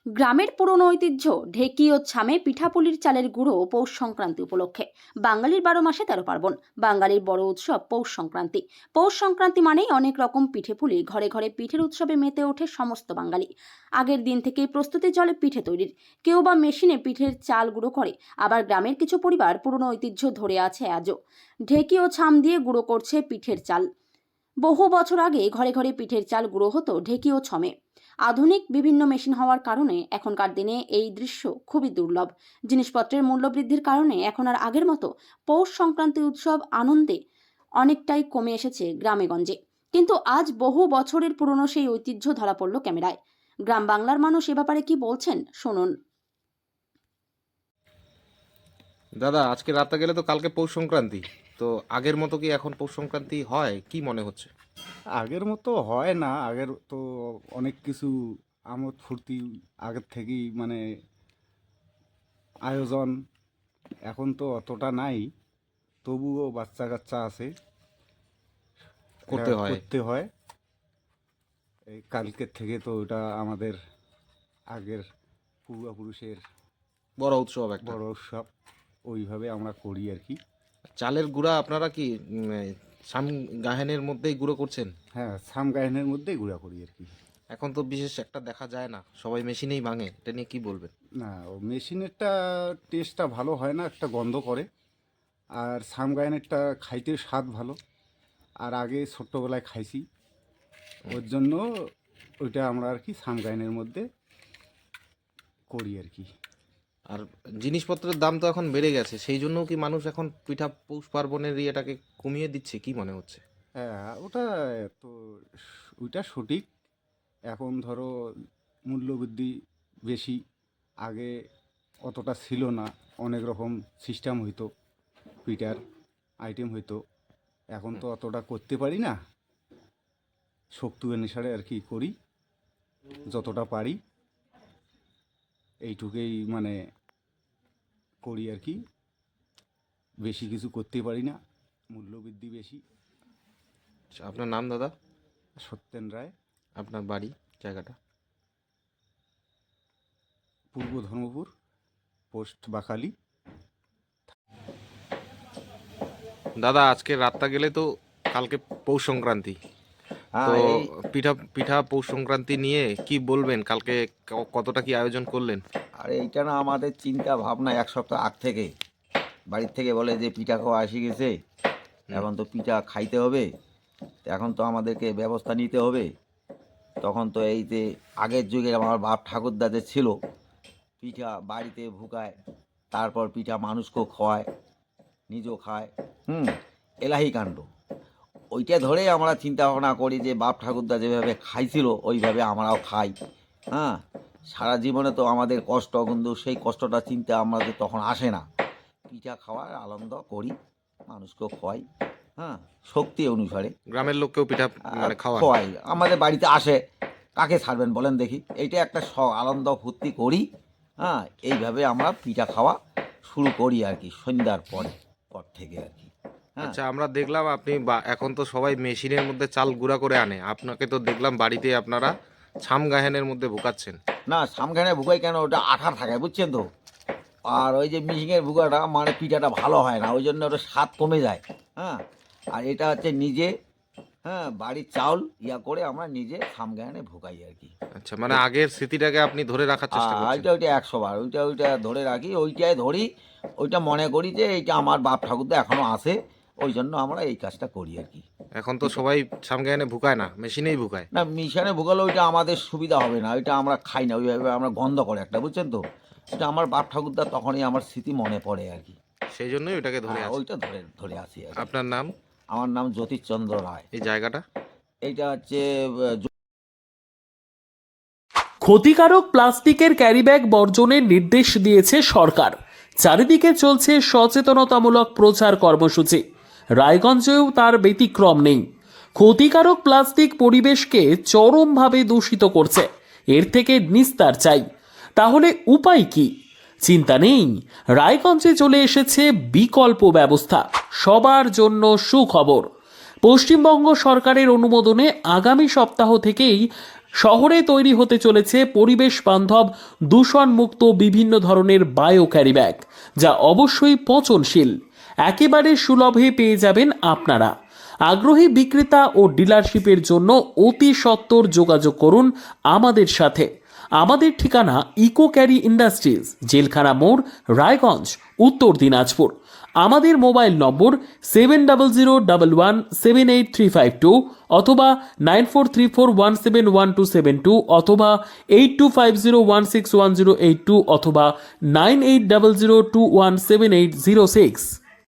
গ্রামের পুরনো ঐতিহ্য ঢেকি ও ছামে পিঠাপুলির চালের গুঁড়ো পৌষ সংক্রান্তি উপলক্ষে। বাঙালির 12 মাসে 13 পার্বণ। বাঙালির বড় উৎসব পৌষ সংক্রান্তি। পৌষ সংক্রান্তি মানেই অনেক রকম পিঠেপুলি, ঘরে ঘরে পিঠের উৎসবে মেতে ওঠে সমস্ত বাঙালি। আগের দিন থেকেই প্রস্তুতি চলে পিঠে তৈরির। কেউ বা মেশিনে পিঠের চাল গুঁড়ো করে, আবার গ্রামের কিছু পরিবার পুরনো ঐতিহ্য ধরে আছে আজও। ঢেকি ও ছাম দিয়ে গুঁড়ো করছে পিঠের চাল। বহু বছর আগে ঘরে ঘরে পিঠের চাল গুঁড়ো হতো ঢেকি ও ছমে। আধুনিক বিভিন্ন মেশিন হওয়ার কারণে এখনকার দিনে এই দৃশ্য খুবই দুর্লভ। জিনিসপত্রের মূল্য বৃদ্ধির কারণে এখন আর আগের মতো পৌষ সংক্রান্তি উৎসব আনন্দে অনেকটাই কমে এসেছে গ্রামেগঞ্জে। কিন্তু আজ বহু বছরের পুরনো সেই ঐতিহ্য ধরা পড়ল ক্যামেরায়। গ্রাম বাংলার মানুষ এ ব্যাপারে কি বলছেন শুনুন। দাদা, আজকে রাতে গেলে তো কালকে পৌষ সংক্রান্তি। তো আগের মতো কি এখন পৌষ সংক্রান্তি হয়, কি মনে হচ্ছে? আগের মতো হয় না। আগের তো অনেক কিছু আমোদ ফুর্তি আগের থেকেই মানে আয়োজন, এখন তো অতটা নাই। তবুও বাচ্চা কাচ্চা আছে, করতে এটা হয়। করতে হয়। এই কালকের থেকে তো ওটা আমাদের আগের পূর্বপুরুষের বড় উৎসব একটা। বড় উৎসব, ওইভাবে আমরা করি আর কি। চালের গুঁড়া আপনারা কি সাম গাহেনের মধ্যেই গুঁড়ো করছেন? হ্যাঁ, সাম গায়নের মধ্যেই গুঁড়া করি আর কি। এখন তো বিশেষ একটা দেখা যায় না, সবাই মেশিনেই ভাঙে। এটা নিয়ে কি বলবেন? না, ও মেশিনেরটা টেস্টটা ভালো হয় না, একটা গন্ধ করে। আর সাম গায়নেরটা খাইতে স্বাদ ভালো। আর আগে ছোট্টবেলায় খাইছি, ওর জন্য ওইটা আমরা আর কি সাম গায়নের মধ্যে করি আর কি। আর জিনিসপত্রের দাম তো এখন বেড়ে গেছে, সেই জন্যও কি মানুষ এখন পিঠা পৌষ পার্বণের ইয়েটাকে কমিয়ে দিচ্ছে, কি মনে হচ্ছে? হ্যাঁ, ওটা তো ওইটা সঠিক। এখন ধরো মূল্যবৃদ্ধি বেশি, আগে অতটা ছিল না। অনেক রকম সিস্টেম হইতো, পিঠার আইটেম হইতো। এখন তো অতটা করতে পারি না, শক্তি অনুসারে আর কি করি, যতটা পারি এইটুকুই মানে করি আর কি। বেশি কিছু করতে পারি না, মূল্যবৃদ্ধি বেশি। আচ্ছা, আপনার নাম দাদা? সত্যেন রায়, আপনার বাড়ি, জায়গাটা? পূর্ব ধর্মপুর, পোস্ট বাকালি। দাদা, আজকে রাতটা গেলে তো কালকে পৌষ সংক্রান্তি। তো হ্যাঁ এই পিঠা পিঠা পৌষ সংক্রান্তি নিয়ে কি বলবেন? কালকে কতটা কি আয়োজন করলেন? আর এইটা না আমাদের চিন্তা ভাবনা এক সপ্তাহ আগ থেকে বাড়ির থেকে বলে যে পিঠা খাওয়া আসি গেছে, এখন তো পিঠা খাইতে হবে, তো এখন তো আমাদেরকে ব্যবস্থা নিতে হবে। তখন তো এই যে আগের যুগে আমার বাপ ঠাকুরদা যে ছিল, পিঠা বাড়িতে ভুকায়, তারপর পিঠা মানুষকেও খাওয়ায়, নিজেও খায়। এলাহি কাণ্ড। ওইটা ধরেই আমরা চিন্তা ভাবনা করি যে বাপ ঠাকুরদা যেভাবে খাইছিল ওইভাবে আমরাও খাই। হ্যাঁ, সারা জীবনে তো আমাদের কষ্ট, কিন্তু সেই কষ্টটা চিন্তা আমাদের তখন আসে না। পিঠা খাওয়ার আনন্দ করি, মানুষকেও খাওয়াই। হ্যাঁ, শক্তি অনুসারে গ্রামের লোককেও পিঠা মানে খাওয়ান? খাওয়াই। আমাদের বাড়িতে আসে, কাকে ছাড়বেন বলেন দেখি? এইটা একটা আনন্দ ফুর্তি করি। হ্যাঁ, এইভাবে আমরা পিঠা খাওয়া শুরু করি আর কি, সন্ধ্যার পর থেকে আর কি। হ্যাঁ, আচ্ছা, আমরা দেখলাম আপনি এখন তো সবাই মেশিনের মধ্যে চাল গুঁড়া করে আনে, আপনাকে তো দেখলাম বাড়িতে আপনারা ছাম গাহেনের মধ্যে ভুকাচ্ছেন। না সামখানে ভুগাই কেন, ওটা আঠা থাকে বুঝছেন তো। আর ওই যে মিশিংয়ের ভুগাটা মানে পিঠাটা ভালো হয় না, ওই জন্য ওটা স্বাদ কমে যায়। হ্যাঁ, আর এটা হচ্ছে নিজে, হ্যাঁ, বাড়ির চাউল ইয়া করে আমরা নিজে সামগানে ভুগাই আর কি। আচ্ছা, মানে আগের স্মৃতিটাকে আপনি ধরে রাখার চেষ্টা করছেন? ওইটা 100 বার ওইটা ধরে রাখি, ওইটাই ধরি। ওইটা মনে করি যে এইটা আমার বাপ ঠাকুরদা এখনও আছে, ওই জন্য আমরা এই কাজটা করি আর কি। এখন তো সবাই ছাম গাহেনে ভুকায় না, মেশিনেই ভুকায়। না, মিশানে ভুগালে ওইটা আমাদের সুবিধা হবে না, ওইটা আমরা খাই না, ওইভাবে আমরা গন্ধ করে একটা, বুঝছেন তো। এটা আমার বাপ ঠাকুরদা, তখনই আমার স্মৃতি মনে পড়ে আর কি। সেই জন্যই ওটাকে ধরে আছে। ওইটা ধরে ধরে আসি আর কি। আপনার নাম? আমার নাম জ্যোতিষচন্দ্র রায়। এই জায়গাটা? এইটা হচ্ছে ক্ষতিকারক প্লাস্টিকের ক্যারিব্যাগ বর্জনের নির্দেশ দিয়েছে সরকার। চারিদিকে চলছে সচেতনতামূলক প্রচার কর্মসূচি। রায়গঞ্জেও তার ব্যতিক্রম নেই। ক্ষতিকারক প্লাস্টিক পরিবেশকে চরমভাবে দূষিত করছে, এর থেকে নিস্তার চাই। তাহলে উপায় কি? চিন্তা নেই, রায়গঞ্জে চলে এসেছে বিকল্প ব্যবস্থা। সবার জন্য সুখবর। পশ্চিমবঙ্গ সরকারের অনুমোদনে আগামী সপ্তাহ থেকেই শহরে তৈরি হতে চলেছে পরিবেশ বান্ধব দূষণমুক্ত বিভিন্ন ধরনের বায়ো ক্যারিব্যাগ, যা অবশ্যই পচনশীল। একেবারে সুলভে পেয়ে যাবেন আপনারা। আগ্রহী বিক্রেতা ও ডিলারশিপের জন্য অতি সত্বর যোগাযোগ করুন আমাদের সাথে। আমাদের ঠিকানা ইকো ক্যারি ইন্ডাস্ট্রিজ, জেলখানা মোড়, রায়গঞ্জ, উত্তর দিনাজপুর। আমাদের মোবাইল নম্বর 7001178352 অথবা 9434171272 অথবা 8250161082 অথবা 9800217806।